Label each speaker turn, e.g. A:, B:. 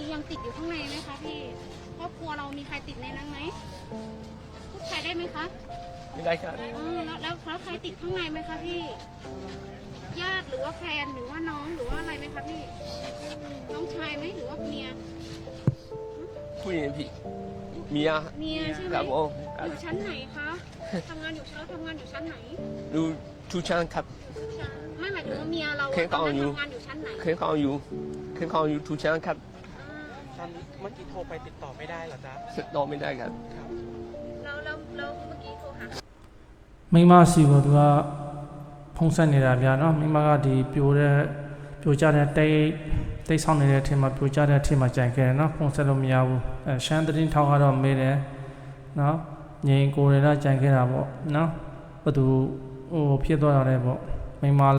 A: ยังติดอยู่ข้างในไหมคะพี่ครอบครัวเรามีใครติดในนั้นไหมพูดไทยได้ไหมคะ
B: ไม่ได้ครับ
A: แล้วใครติดข้างในไหมคะพี่ญาติหรือว่าแฟนหรือว่าน้องหรือว่าอะไรไหมคะพี่น้องชายไหมหรือว่าเมีย
B: ผู้หญิงพี่เมีย
A: เมียใช่ไหม
B: ครับผม
A: อยู่ชั้นไหนคะทำงานอยู่ชั้นไหน
B: ดูทุกชั้นครับ
A: ไม่หมายถึงว่าเมียเรา
B: เคยเข้าอยู่
A: ทำงานอยู่ชั้นไหน
B: เคยเข้าอยู่ทุกชั้นครับ
C: ตอนเมื่อกี้โทรไปติดต่อไม่ได้เหรอจ๊ะ
B: ติดต่อไม่ได้ครับ
A: แล้วเมื่อกี้โทรหา
D: မိမစီကိုသူကဖုံးဆက်နေတာဗျာနော်မိမကဒီပြိုကျတဲ့တိတ်ဆောင်နေတဲ့အထင်မှာပြိုကျတဲ့အထင်မှာကြံခဲ့တယ်နော်ဖုံးဆက်လို့မရဘူးရှမ်းသတင်းထောက်ကတော့မေးတယ်နော်ငြိမ်ကိုယ်ရကြံခဲ့တာပေါ့နော်ဘယ်သူဟိုဖြစ်သွားတာလဲပေါ့မိမ